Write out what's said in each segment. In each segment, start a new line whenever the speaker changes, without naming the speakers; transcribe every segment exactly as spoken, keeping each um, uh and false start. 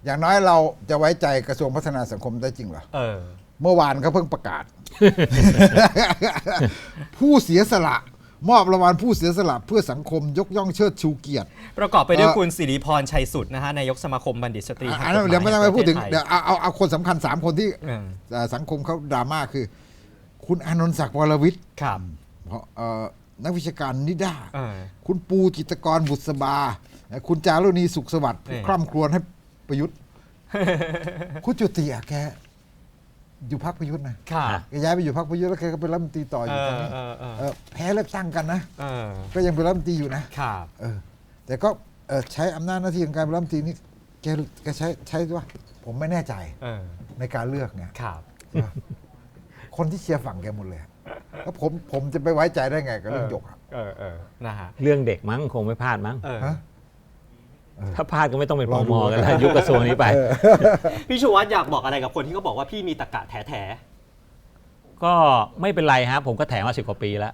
อย่างน้อยเราจะไว้ใจกระทรวงพัฒนาสังคมได้จริงเหรอเออเมื่อวานเขาเพิ่งประกาศ ผู้เสียสละมอบรางวัลผู้เสียสละเพื่อสังคมยกย่องเชิดชูเกียรติ
ประกอบไปด้วยคุณสิริพรชัยสุดนะฮะนายกสมาคมบัณฑิตสตรี
อันนั้นเดี๋ยวไม่ต้องไปพูดถึงเดี๋ยวเอาเอาเอาคนสำคัญสามคนที่สังคมเขาดราม่าคือคุณอานนท์ศักดิ์วรวิทย์
ครับ
นักวิชาการนิด้าคุณปูจิตรกรบุษบาคุณจารุณีสุขสวัสดิ์ผู้คร่ำครวญให้ประยุทธ์คุณจุติอะแกอยู่พรรคประยุทธ์นะแกย้ายไปอยู่พรรคประยุทธ์แล้วแกก็เป็นรัฐมนตรีต่ออยู่ตอนนี้แพ้เลือกตั้งกันนะก็ยังเป็นรัฐมนตรีอยู่นะแต่ก็ใช้อำนาจหน้าที่ของการเป็นรัฐมนตรีนี่แกแกใช้ใช้ว่าผมไม่แน่ใจในการเลือกเนี่ยคนที่เชียร์ฝั่งแกหมดเลยแล้วผมผมจะไปไว้ใจได้ไงกับเรื่องหยกครับ
นะฮะเรื่องเด็กมั้งคงไม่พลาดมั้งถ้าพลาดก็ไม่ต้องเป็นปมกันแล้วยุคกระทรวงนี้ไป
พี่ชูวัฒน์อยากบอกอะไรกับคนที่เขาบอกว่าพี่มีตะกะแถแถ
ก็ไม่เป็นไรฮะผมก็แถมาสิบกว่าปีแล้ว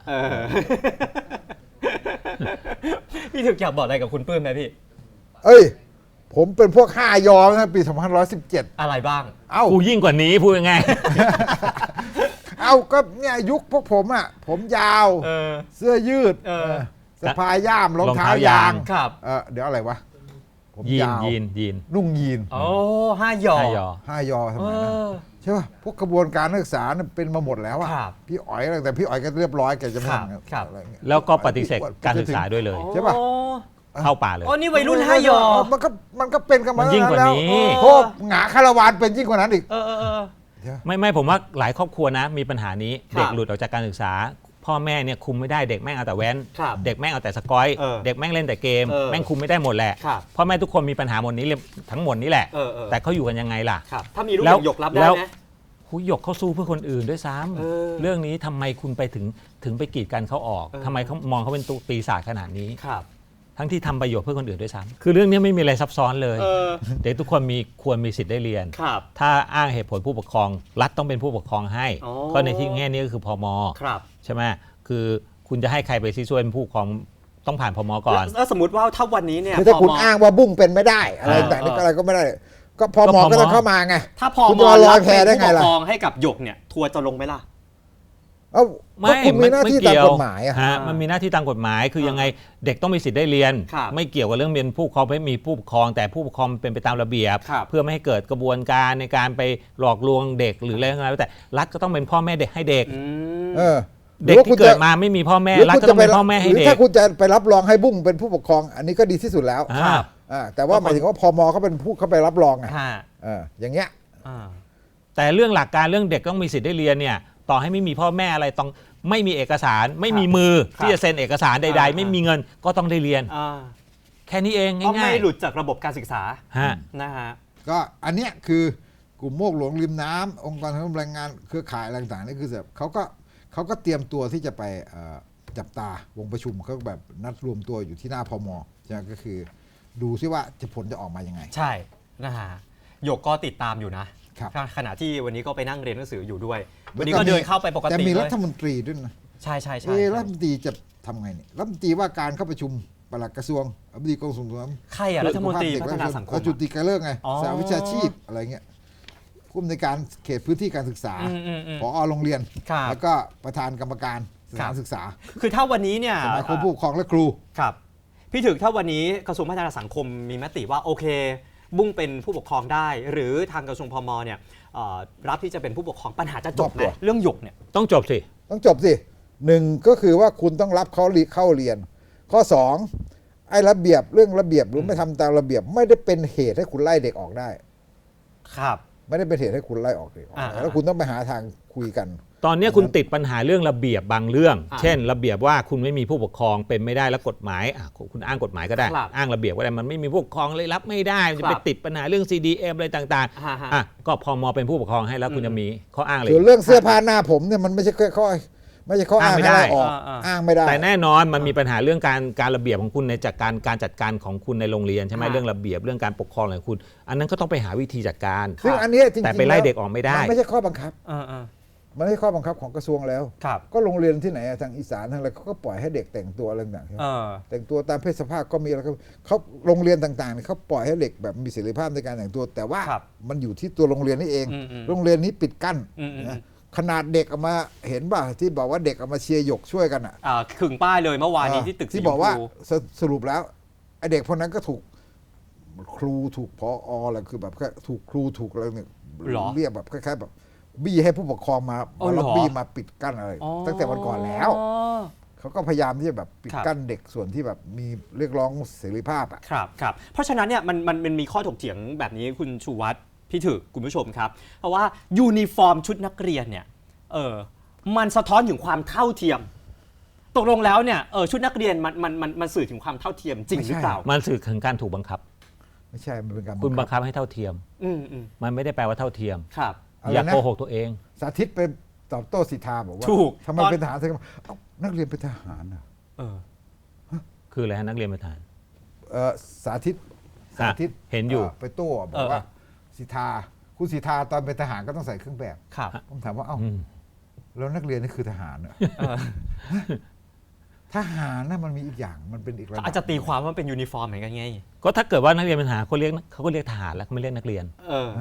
พี่ถึกอยากบอกอะไรกับคุณปื้มไหมพี่
เอ้ยผมเป็นพวกห้ายอนะปีสองพันห้าร้อยสิบเจ็ด
อะไรบ้าง
เอ้ากูยิ่งกว่านี้พูดยังไง
เอ้าก็เนี่ยยุคพวกผมอ่ะผมยาวเสื้อยืดสะพายย่ามรองเท้ายาง
ครับ
เดี๋ยวอะไรวะ
ยีนยีนยีน
นุ่งยีน
โอ้ห้ายอ
ห้ายอทำไมนะใช่ป่ะพวกกระบวนการนักศึกษาเป็นมาหมดแล้วอ่ะพี่อ๋อยแต่พี่อ๋อยก็เรียบร้อยแกจะไม่
อะไรเงี้ยแล้วก็ปฏิเสธการศึกษาด้วยเลย
ใช่ป่ะ
เข้าป่าเลย
อ๋อนี่วัยรุ่นห้ายอ
มันก็มันก็เป็นกันมา
ยิ่งกว่านี้
โทษหงาคารวานเป็นยิ่งกว่านั้นอีก
ไม่ไม่ผมว่าหลายครอบครัวนะมีปัญหานี้เด็กหลุดออกจากการศึกษาพ่อแม่เนี่ยคุมไม่ได้เด็กแม่งเอาแต่แว้นเด็กแม่งเอาแต่สกอยเด็กแม่งเล่นแต่เกมแม่งคุมไม่ได้หมดแหละพ่อแม่ทุกคนมีปัญหาหมดนี้ทั้งหมดนี้แหละแต่เขาอยู่กันยังไงล่ะ
ถ้ามีลูกหยกรับได้ไหม
หุยหยกเขาสู้เพื่อคนอื่นด้วยซ้ำเรื่องนี้ทำไมคุณไปถึงถึงไปกีดกันเขาออกทำไมเขามองเขาเป็นตัวปีศาจขนาดนี้ทั้งที่ทำประโยชน์เพื่อคนอื่นด้วยซ้ำคือเรื่องนี้ไม่มีอะไรซับซ้อนเลยเด็กทุกคนมีควรมีสิทธิ์ได้เรียนถ้าอ้างเหตุผลผู้ปกครองรัฐต้องเป็นผู้ปกครองให้ก็ในที่แง่นี้ก็คือพม.ใช่ไหมคือคุณจะให้ใครไปช่วยเป็นผู้ปกครองต้องผ่านพม.ก่อน
แล้วสมมติว่าถ้าวันนี้เนี่ย
ถ้าคุณอ้างว่าบุ้งเป็นไม่ได้อะไรแต่นี่อะไรก็ไม่ได้ก็พม.ก็ต้องเข้ามาไง
ถ้าพม.รับเป็นผู้ปกครองให้กับหยกเนี่ยทัวร์จะลงไหมล่ะ
เอ้าไม่มีหน้าที่ตามกฎหมาย
อะฮะมันมีหน้าที่ตามกฎหมายคือยังไงเด็กต้องมีสิทธิ์ได้เรียนไม่เกี่ยวกับเรื่องเรียนผู้ปกครองไม่มีผู้ปกครองแต่ผู้ปกครองเป็นไปตามระเบียบเพื่อไม่ให้เกิดกระบวนการในการไปหลอกลวงเด็กหรืออะไรก็แล้วแต่รัฐก็ต้องเป็นพ่อแม่เด็กให้เด็กเด็กที่เกิดมาไม่มีพ่อแม่รัฐก็ต้องเป็นพ่อแม่ให้เด็ก
ถ้าคุณจะไปรับรองให้บุ้งเป็นผู้ปกครองอันนี้ก็ดีที่สุดแล้วแต่ว่าหมายถึงว่าพม.เขาเป็นผู้เขาไปรับรองไงอย่างเงี้ย
แต่เรื่องหลักการเรื่องเด็กต้องมีสิทธิ์ได้เรียนเนี่ยต่อให้ไม่มีพ่อแม่อะไรต้องไม่มีเอกสารไม่มีมือที่จะเซ็นเอกสารใดๆไม่มีเงินก็ต้องได้เรียนแค่นี้เองง่ายๆ
ไม่หลุดจากระบบการศึกษานะฮะ
ก็อันเนี้ยคือกลุ่มโมกหลวงริมน้ำองค์กรทางแรงงานเครือข่ายอะไรต่างๆนี่คือแบบเขาก็เขาก็เตรียมตัวที่จะไปจับตาวงประชุมเขาแบบนัดรวมตัวอยู่ที่หน้าพม.ใช่ก็คือดูซิว่าจะผลจะออกมายังไง
ใช่นะฮะหยกก็ติดตามอยู่นะขณะที่วันนี้ก็ไปนั่งเรียนหนังสืออยู่ด้วยวันนี้ก็เดินเข้าไปปกติ
แต่มีรัฐมนตรีด้วยนะ
ใช่ใช่ใช่
รัฐมนตรีจะทำไงเนี่ยรัฐมนตรีว่าการเข้าประชุมปลัดกระทรวงอธิบดีกรมส่งเสริม
ใครอะรัฐมนตรีพัฒนาสังคม
จุติการเลิกไงสาวิชาชีพอะไรเงี้ยผู้อำนวยการเขตพื้นที่การศึกษาผอ.โรงเรียนแล้วก็ประธานกรรมการสถานศึกษา
คือถ้าวันนี้เนี่ย
สมาคมผู้ปกครองและครู
ครับพี่ถึกถ้าวันนี้กระทรวงพัฒนาสังคมมีมติว่าโอเคบุ้งเป็นผู้ปกครองได้หรือทางกระทรวงพม.เนี่ยรับที่จะเป็นผู้ปกครองปัญหาจะจบไหมเรื่องหยกเนี่ย
ต้องจบสิ
ต้องจบสิหนึ่งก็คือว่าคุณต้องรับเขาเข้าเรียนข้อสองไอ้ระเบียบเรื่องระเบียบหรือไม่ทำตามระเบียบไม่ได้เป็นเหตุให้คุณไล่เด็กออกได้
ครับ
ไม่ได้เป็นเหตุให้คุณไล่ออกเด็กแล้วคุณต้องไปหาทางคุยกัน
ตอนนี้คุณติดปัญหาเรื่องระเบียบบางเรื่องเช่นระเบียบว่าคุณไม่มีผู้ปกครองเป็นไม่ได้แล้วกฎหมายคุณอ้างกฎหมายก็ได้อ้างระเบียบก็ได้มันไม่มีผู้ปกครองเลยรับไม่ได้จะไปติดปัญหาเรื่อง ซี ดี เอ็ม อะไรต่างๆอ่ะก็พม.เป็นผู้ปกครองให้แล้วคุณจะมีข้ออ้างอะไร
ส่วนเรื่องเสื้อผ้าหน้าผมเนี่ยมันไม่ใช่ข้อไม่ใช่ข้ออ้างไม่ได้อ้างไม่ได้
แต่แน่นอนมันมีปัญหาเรื่องการการระเบียบของคุณในจากการการจัดการของคุณในโรงเรียนใช่ไหมเรื่องระเบียบเรื่องการปกครองของคุณอันนั้นก็ต้องไปหาวิธีจัดการ
ซึ่งอันนี้จริงๆ
แต่ไปไล่เด็กออกไม่ได้
ไม่ใช่ข้อบังคับมันไม่ใช่ข้อบังคับของกระทรวงแล้ว
ครับ
ก็โรงเรียนที่ไหนอะทางอีสานทางอะไรเขาก็ปล่อยให้เด็กแต่งตัวอะไรต่างๆใช่ไหม
เออ
แต่งตัวตามเพศสภาพก็มีแล้วก็เขาโรงเรียนต่างๆเนี่ยเขาปล่อยให้เด็กแบบมีเสรีภาพในการแต่งตัว แต่ว่า
ครับ
มันอยู่ที่ตัวโรงเรียนนี่เอง
อืมอืม
โรงเรียนนี้ปิดกั้น
อืมอืม
นะขนาดเด็กออกมาเห็นป่ะที่บอกว่าเด็กออกมาเชียร์หยกช่วยกันอ่ะ
อ่าขึงป้ายเลยเมื่อวานนี้ที่ตึกสี
ที่
ช
บอก
ม
ว่า
พู
สสรุปแล้วไอเด็กพวกนั้นก็ถูกครูถูกพออะไรคือแบบแค่ถูกครูถูกอะไรเนี่ย
หรอ
เรียกแบบคล้ายๆแบบบี้ให้ผู้ปกครองมา
อ๋อ
มา
เหรอ
ล็อบบี้มาปิดกั้นอะไร
อ๋อ
ตั้งแต่วันก่อนแล้ว เขาก็พยายามที่จะแบบปิด
ครับ
กั้นเด็กส่วนที่แบบมีเรียกร้องเสรีภาพอ่ะ
ครับครับเพราะฉะนั้นเนี่ยมันมันมันมีข้อถกเถียงแบบนี้คุณชูวัฒน์พี่ถึกคุณผู้ชมครับ เพราะว่ายูนิฟอร์มชุดนักเรียนเนี่ยเออมันสะท้อนถึงความเท่าเทียม ตกลงแล้วเนี่ยเออชุดนักเรียนมันมันมันมันสื่อถึงความเท่าเทียมจริงหรือเปล่า
มันสื่อถึงการถูกบังคับ
ไม่ใช่มันเป็นการ
คุณบั
บั
ง
ง
คั
คั
บบ ให้เท่าเทียม
อืมอืม
มันไม่ได้แปลว่าเท่าเทียม
ครับ
อะไร
อย่า
นะ
โกหกตัวเอง
สาธิตเป็นตอบโต้สิทธาบอกว่า
ถูก
ทำไม
ตอน
เป็นทหารถึงเอ้านักเรียนเป็นทหารอ่ะ
เออ
คืออะไรฮะนักเรียนประธาน
เอ่อสาธิตสาธิต
เห็นอยู่
ไปโต้บอกว่าสิทธาคุณสิทธาตอนเป็นทหารก็ต้องใส่เครื่องแบบ
ครับ
ผมถามว่าเอ้า
อืม
แล้วนักเรียนนี่คือทหารเหรอ
เออ
ทหารน่ะมันมีอีกอย่างมันเป็นอีกระดับ
อาจจะตีความว่าเป็นยูนิฟอร์มเหมือนกันไง
ก็ถ้าเกิดว่านักเรียนเป็นทหารเขาเรียกเขาก็เรียกทหารแล้วเขาไม่เรียกนักเรียน
เออ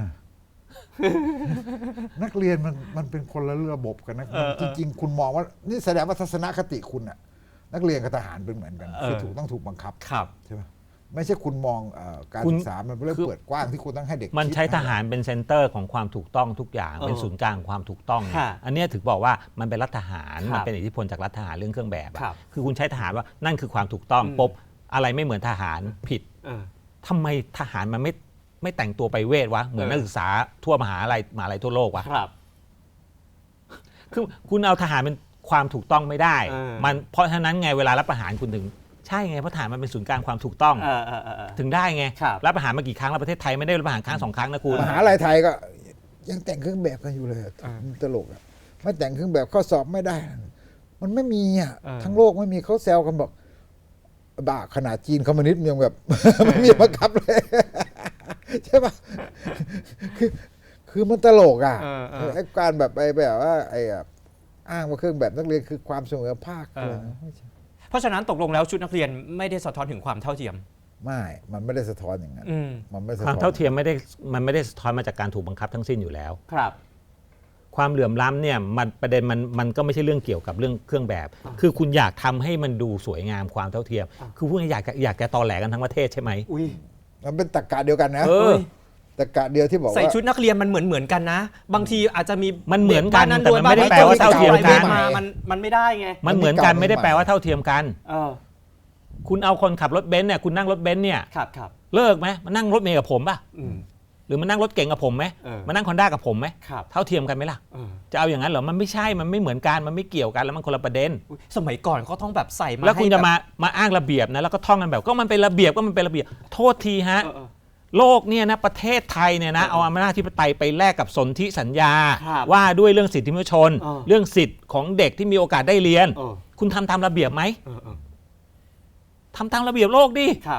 นักเรียนมันมันเป็นคนละระบบกันนะ
เออเอ
จ
อ
ริงๆ คุณมองว่านี่แสดงว่าทัศนคติคุณอะนักเรียนกับทหารเป็นเหมือนกัน
เออ
คือถูกต้องถูกบังคับ
ครับ
ใช่ไหมไม่ใช่คุณมองเอ่อการ
คุณ
ศึกษามันเป็นเรื่อง
คือ
เปิดกว้างที่คุณต้องให้เด็ก
มัน
คิด
ใช้ทหารเป็นเซนเตอร์ของความถูกต้องทุกอย่าง
เออ
เป็นศูนย์กลางของความถูกต้อง
ค่ะ
อันเนี้ยถึงบอกว่ามันเป็นรัฐทหาร
ครับ
มันเป็นอิทธิพลจากรัฐทหารเรื่องเครื่องแบบอะ
ครับ
คือคุณใช้ทหารว่านั่นคือความถูกต้อง
อืม
ปุ๊บอะไรไม่เหมือนทหารผิด
เออ
ทำไมทหารมันไม่ไม่แต่งตัวไปเวทวะเหมือน
เออ
นักศึกษาทั่วมหาลัยมหาลัยทั่วโลกวะ
ครับ
คือคุณเอาทหารเป็นความถูกต้องไม่ได้
เออ
มันเพราะฉะนั้นไงเวลารับประหารคุณถึงใช่ไงเพราะทหารมันเป็นศูนย์กลางความถูกต้อง
เออเออเออเออ
ถึงได้ไง
ครับ
รับประหารมากี่ครั้งแล้วประเทศไทยไม่ได้รับประหารครั้งสองครั้งนะคุณ
มหาลัยไทยก็ยังแต่งเครื่องแบบกันอยู่เลยอะ
เออ
มันตลกอะไม่แต่งเครื่องแบบข้อสอบไม่ได้ มันไม่มีอะ
เออ
ทั้งโลกไม่มีเขาแซวกันบอกบ้าขนาดจีนคอมมิวนิสต์ยังแบบ ไม่มีบังคับเลย ใช่ปะคือคือมันตลกอ่ะ
เออเออ
ไอ้การแบบไปแบบว่าไอ้อะอ้างว่าเครื่องแบบนักเรียนคือความเสมอภาค
เออ
เลยนะไม่ใช่
เพราะฉะนั้นตกลงแล้วชุดนักเรียนไม่ได้สะท้อนถึงความเท่าเทียม
ไม่ มันไม่ได้สะท้อนอย่างนั้น
อืม
มันไม่สะ
ความ
ท้อน
เท่าเทียมไม่ได้มันไม่ได้สะท้อนมาจากการถูกบังคับทั้งสิ้นอยู่แล้ว
ครับ
ความเหลื่อมล้ำเนี่ยมันประเด็นมันมันก็ไม่ใช่เรื่องเกี่ยวกับเรื่องเครื่องแบบ คือคุณอยากทำให้มันดูสวยงามความเท่าเทียม
อ่ะ
คือพูดง่ายๆอยากจะอยากจะตอแหลกันทั้งประเทศใช่ไหม
อุ้ย
มันเป็นตรรกะเดียวกันนะ
เออ
ตรรกะเดียวที่บอก
ใส่
ว่า
ชุดนักเรียนมันเหมือนเหมือนกันนะ บางทีอาจจะมี
มันเหมือนกัน
บ้า
แต่มันไม่ได้
วย
แปลว่าเท่าเทียมกัน
บ้ามันมันไม่ได้ไง
มันเหมือนกันไม่ได้แปลว่าเท่าเทียมกัน
เออ
คุณเอาคนขับรถเบนซ์เนี่ยคุณนั่งรถเบนซ์เนี่ย
ครับครับ
เลิกไหมมานั่งรถเมล์กับผมป่ะ
อืม
หรือมานั่งรถเก๋งกับผมไหม
เออ
มานั่งคอนด้ากับผมไหม
ครับ
เท่าเทียมกันไหมล่ะ
เออ
จะเอาอย่างนั้นเหรอมันไม่ใช่มันไม่เหมือนกันมันไม่เกี่ยวกันแล้วมันคนละประเด็น
อุ๊ยสมัยก่อนเขาต้องแบบใส่มา
แล้วคุณ
ให้
จะ
บบ
มามาอ้างระเบียบนะแล้วก็ท่องกันแบบก็มันเป็นระเบียบก็มันเป็นระเบียบโทษทีฮะ
เออเออ
โลกเนี่ยนะประเทศไทยเนี่ยนะ
เออ
เอาอำนาจธิปไตยไปแลกกับสนธิสัญญา
ครับ
ว่าด้วยเรื่องสิทธิมนุษยชน
เออ
เรื่องสิทธิ์ของเด็กที่มีโอกาสได้เรียน
เออ
คุณทำตามระเบียบไหม
เออเออ
ทำตามระเบียบโลกดิ
ครับ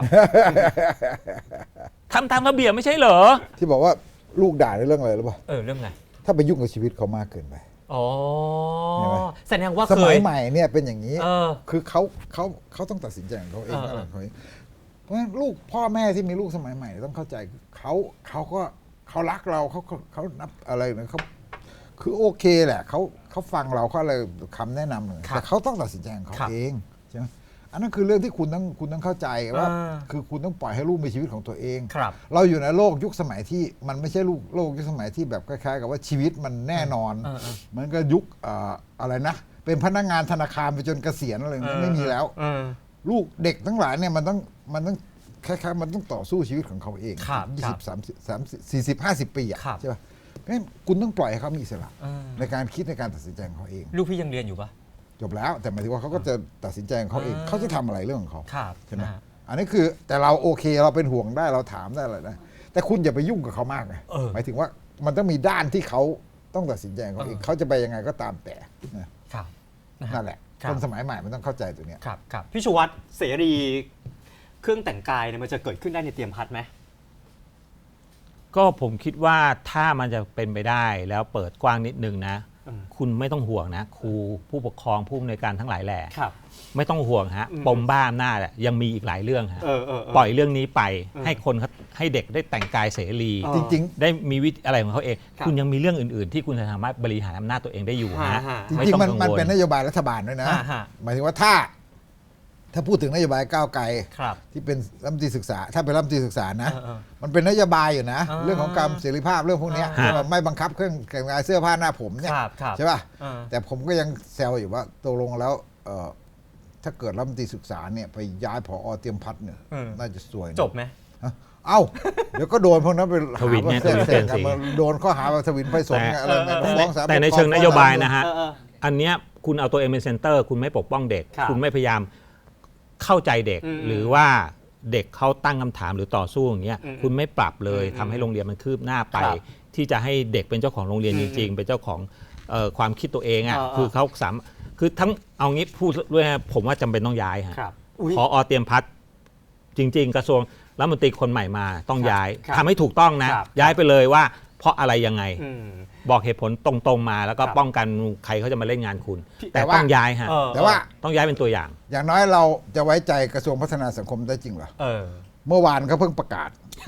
ทำตามระเบียบไม่ใช่เหรอ
ที่บอกว่าลูกด่าในเรื่องอะไรหรือเปล่า
เออเรื่องไง
ถ้าไปยุ่งกับชีวิตเขามากเกินไป
อ๋อ
เห็นไหม
แสดงว่า
ส
เค
มัย
ย
ใหม่เนี่ยเป็นอย่างนี้
เออ
คือเขาเขาเขาต้องตัดสินใจของเขาเอง
เออ
อะไรของเขาเองเพราะฉะนั้นลูกพ่อแม่ที่มีลูกสมัยใหม่ต้องเข้าใจเขาเขาก็เขารักเราเขาเขาเขานับอะไรนะเขาคือโอเคแหละเขาเขาฟังเราเขาอะไรคำแนะนำเลย
ครับ
แต่เขาต้องตัดสินใจของเขา
ครับ
เองใช่ไหมอันนั้นคือเรื่องที่คุณต้องคุณต้องเข้าใจว่า
อ่า
คือคุณต้องปล่อยให้ลูกมีชีวิตของตัวเอง
ครับ
เราอยู่ในโลกยุคสมัยที่มันไม่ใช่ลูกโลกยุคสมัยที่แบบคล้ายๆกับว่าชีวิตมันแน่นอน
เออเออ
มันก็ยุคเอ่ออะไรนะ เป็นพนักงานธนาคารไปจนเกษียณอะไรอย่างเงี้ยไม่มีแล้ว
เออ
ลูกเด็กทั้งหลายเนี่ยมันต้องมันต้องคล้ายๆมันต้องต่อสู้ชีวิตของเขาเอง
ครับ
ยี่
ครั
สิ
บบ
สามสิบสามสิบสี่สิบห้าสิบปีอ่ะ
ครับ
ใช่ป่ะเพราะฉะนั้นคุณต้องปล่อยให้เขามีอิสระ
เออ
ในการคิดในการตัดสินใจของเขาเอง
ลูกพี่ยังเรียนอยู่ปะ
จบแล้ว แต่หมายถึงว่าเขาก็จะตัดสินใจของเขาเอง
อ่า
เขาจะทำอะไรเรื่องของเขา
ครับ
ใช่ไหม
นะฮะ
อันนี้คือแต่เราโอเคเราเป็นห่วงได้เราถามได้อะไรได้แต่คุณอย่าไปยุ่งกับเขามากไง
เออ
หมายถึงว่ามันต้องมีด้านที่เขาต้องตัดสินใจของเขาเอง
เออ
เขาจะไปยังไงก็ตามแต่นะ
ครับนะฮะ
นั่นแหละ
ครับ
คนสมัยใหม่มันต้องเข้าใจตัวเนี้ย
ครับครับพี่ชูวัตรเสรีเครื่องแต่งกายเนี่ยมันจะเกิดขึ้นได้ในเตรียมพัดไหม
ก็ผมคิดว่าถ้ามันจะเป็นไปได้แล้วเปิดกว้างนิดนึงนะคุณไม่ต้องห่วงนะครูผู้ปกครองผู้อำนวยการทั้งหลายแหล่
ครับ
ไม่ต้องห่วงฮะ
อืม
ปมบ้าอำนาจอะยังมีอีกหลายเรื่องฮะ
เออเออเออ
ปล่อยเรื่องนี้ไป
เออ
ให้คนเขาให้เด็กได้แต่งกายเสรี
เออ
จริง
ได้มีวิธีอะไรของเขาเอง
ครับ
คุณยังมีเรื่องอื่น ๆ ที่คุณจะสามารถบริหารอำนาจตัวเองได้อยู่นะ
ฮะฮะ
ๆ จ
ไม่
ริง
ต้อง
ๆมัน
กัง
มัน
วล
เป็นนโยบายรัฐบาลด้วยนะ
อ่าฮะ
หมายถึงว่าถ้า ถ้าพูดถึงนโยบายก้าวไกล
ครับ
ที่เป็นรัฐมนตรีศึกษา ถ้าเป็นรัฐมนตรีศึกษานะ
เออเออ
มันเป็นนโยบายอยู่นะ
อ่า
เรื่องของการเสรีภาพเรื่องพวกเนี้ย
อ่า
ว่าไม่บังคับเครื่องแต่งกายเสื้อผ้าหน้าผมเนี่ย
ครับครับ
ใช่ป่ะ
เออ
แต่ผมก็ยังแซวอยู่ว่าตกลงแล้วเอ่อถ้าเกิดรัฐมนตรีศึกษาเนี่ยไปย้ายผอเตรียมพัฒน์เนี่ย
อืม
น่าจะสวยนะ
จบไหม
ฮะเอ้า เดี๋ยวก็โดนพวกนั้นไปหา
ทวินเนี่ย
ว่าแทรกแซง
ทวินเปลี่ยนสี
กันมาโดนข้อหาว่าทวินไพศาลไงอะไร
แต่
ไงฟ้องศาล
แต่ใน
ปกครอง
เชิงนโยบายนะฮะ
เออเออ
อันเนี้ยคุณเอาตัวเองเป็นเซนเตอร์ คุณไม่ปกป้องเด็ก
ครับ
คุณไม่พยายามเข้าใจเด็ก
อืม
หรือว่าเด็กเขาตั้งคำถามหรือต่อสู้อย่างเงี้ย
อืม
คุณไม่ปรับเลย
อืม
ทำให้โรงเรียนมันคืบหน้าไป
ครับ
ที่จะให้เด็กเป็นเจ้าของโรงเรียน
อื
จ
ม
ริง ๆ เป็นเจ้าของเอ่อความคิดตัวเองอ่ะ
เออเออ
คือเขาสามคือทั้งเอางี้พูดด้วยนะผมว่าจำเป็นต้องย้ายฮะ
ครับอุ๊ย
พอเตรียมพัฒน์จริง ๆ กระทรวงรัฐมนตรีคนใหม่มาต้องย้าย
ครับ
ทำให้ถูกต้องนะ
ครับ
ย้ายไปเลยว่าเพราะอะไรยังไง
อืม
บอกเหตุผลตรงๆมาแล้วก็
ครับ
ป้องกันใครเขาจะมาเล่นงานคุณ
พี่
แต่
แต่ว่า
ต้องย้ายฮะ
เออ
แต่ว่า
ต้องย้ายเป็นตัวอย่าง
อย่างน้อยเราจะไว้ใจกระทรวงพัฒนาสังคมได้จริงเหรอ
เออ
เมื่อวานเขาเพิ่งประกาศ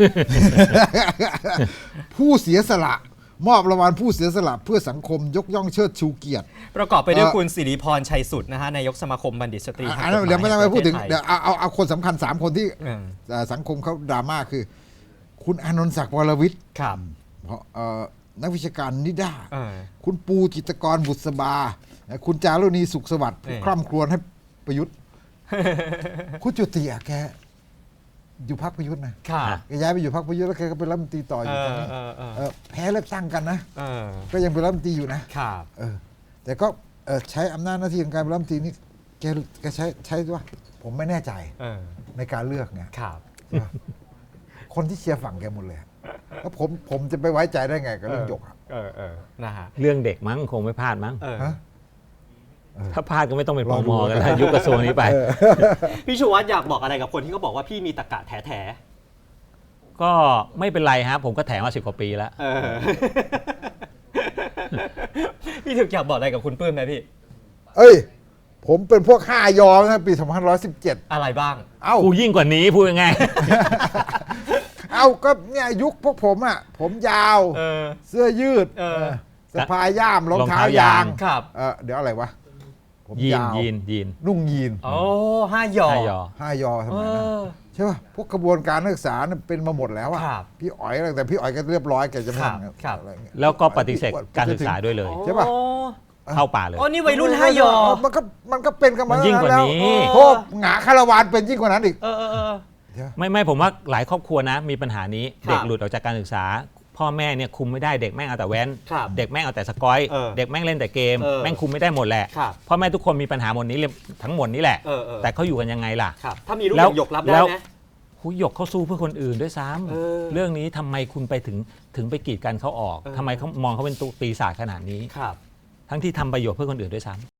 ผู้เสียสละ มอบรางวัลผู้เสียสละเพื่อสังคมยกย่องเชิดชูเกียรติ
ประกอบไปด้วย
เอ่อ
คุณสิริพรชัยสุดนะฮะนายกสมาคมบัณฑิตสตรี
อันนั้นเดี๋ยวไม่ต้องไปพูดถึง
แห่
เดี๋ยวเอาเอาเอาคนสำคัญสามคนที่
เออ
เอ่อสังคมเขาดราม่าคือ คุณอานนท์ศักดิ์วรวิทย์
ครับ
เพราะเอ่อนักวิชาการนิด้า
เออ
คุณปูจิตรกรบุษบา คุณจารุณีสุขสวัสดิ์
นี่
คร่ำครวญให้ประยุทธ์ คุณจุติอะแกอยู่พรรคประยุทธ์นะ
ค่ะ
แกย้ายไปอยู่พรรคประยุทธ์แล้วแกก็เป็นรัฐมนตรีต่ออ
เอยู่
ตอน
อ
นี้
เออเออ
เออแพ้เลือกตั้งกันนะ
เออ
ก็ยังเป็นรัฐมนตรีอยู่นะ
ครับ
เออ แต่ก็เออใช้อำนาจหน้าที่ของการเป็นรัฐมนตรีนี่แกแกใช้ใช้ว่าผมไม่แน่ใจ
เออ
ในการเลือกไง
ครับ
ใช่ปะคนที่เชียร์ฝั่งแกหมดเลยอะแล้วผมผมจะไปไว้ใจได้ไงกับเรื่องหยกอะ
เออเออนะฮะ
เรื่องเด็กมั้งคงไม่พลาดมั้ง
เออ
ฮะ
ถ้าพลาดก็ไม่ต้องเป็น
ล
ป
องดู
มกันแล้วยุคกระทรวงนี้ไป
พี่ชูวัฒน์อยากบอกอะไรกับคนที่เขาบอกว่าพี่มีตะกะแถแถ
ก็ไม่เป็นไรฮะผมก็แถมมาสิบกว่าปีแล้ว
เออ พี่ถึกอยากบอกอะไรกับคุณปื้มไหมพี่
เอ้ย ผมเป็นพวกห้ายอนะปีสองพันร้อยสิบเจ็ด
อะไรบ้าง
เอ้า
กูยิ่งกว่านี้พูดยังไง
เอ้าก็เนี่ยยุคพวกผมอ่ะ ผมยาว
เออ
เสื้อยืด
เออ
เออสะพายย่ามรองเท้าร
องเท้ายาย
าง ง
ครับ
เออเดี๋ยวอะไรวะ ผม
ยีน
ยาว
ยีนยีน
นุ่งยีน
โอ้ห้าหยอ
ห้ายอ
ห้ายอส
เอ
มัยนั้น
อ
ใช่ป่ะพวกกระบวนการนักศึกษาเนี่ยเป็นมาหมดแล้วอะ
ครับ
พี่อ๋อยอะไรแต่พี่อ๋อยก็เรียบร้อยแกจะไม่
ครับ
ทำ
ครับ
อะไรเงี้ย
แล้วก็ปฏิเสธการศึกษาด้วยเลย
ใช่ปะ
โอ้
เข้าป่าเลย
โอ้นี่วัยรุ่นห้าหยอ
มันก็มันก็เป็นกันมา
มันยิ่งกว่านี้
แล้วโทษหงาคารวานเป็นยิ่งกว่านั้นอีก
เออเออเออ
ไม่ไม่ผมว่าหลายครอบครัวนะ มีปัญหานี้
ครับ
เด็กหลุดออกจากการศึกษา พ่อแม่เนี่ยคุมไม่ได้เด็กแม่งเอาแต่แว้น
ครับ
เด็กแม่งเอาแต่สกอย
เออ
เด็กแม่งเล่นแต่เกม
เออ
แม่งคุมไม่ได้หมดแหละ
ครับ
พ่อแม่ทุกคนมีปัญหาหมดนี้เลยทั้งหมดนี้แหละ
เออเออ
แต่เขาอยู่กันยังไงล่ะ
ครับ ถ้ามีลูก
แล้
อ
ว
ย่างหยกรับได้
แล้ว
ไหม
หุยหยกเขาสู้เพื่อคนอื่นด้วยซ้ำ
เออ
เรื่องนี้ทำไมคุณไปถึงถึงไปกีดกันเขาออก
เออ
ทำไมเขามองเขาเป็นตัวปีศาจขนาดนี้
ครับ
ทั้งที่ทำประโยชน์เพื่อคนอื่นด้วยซ้ำ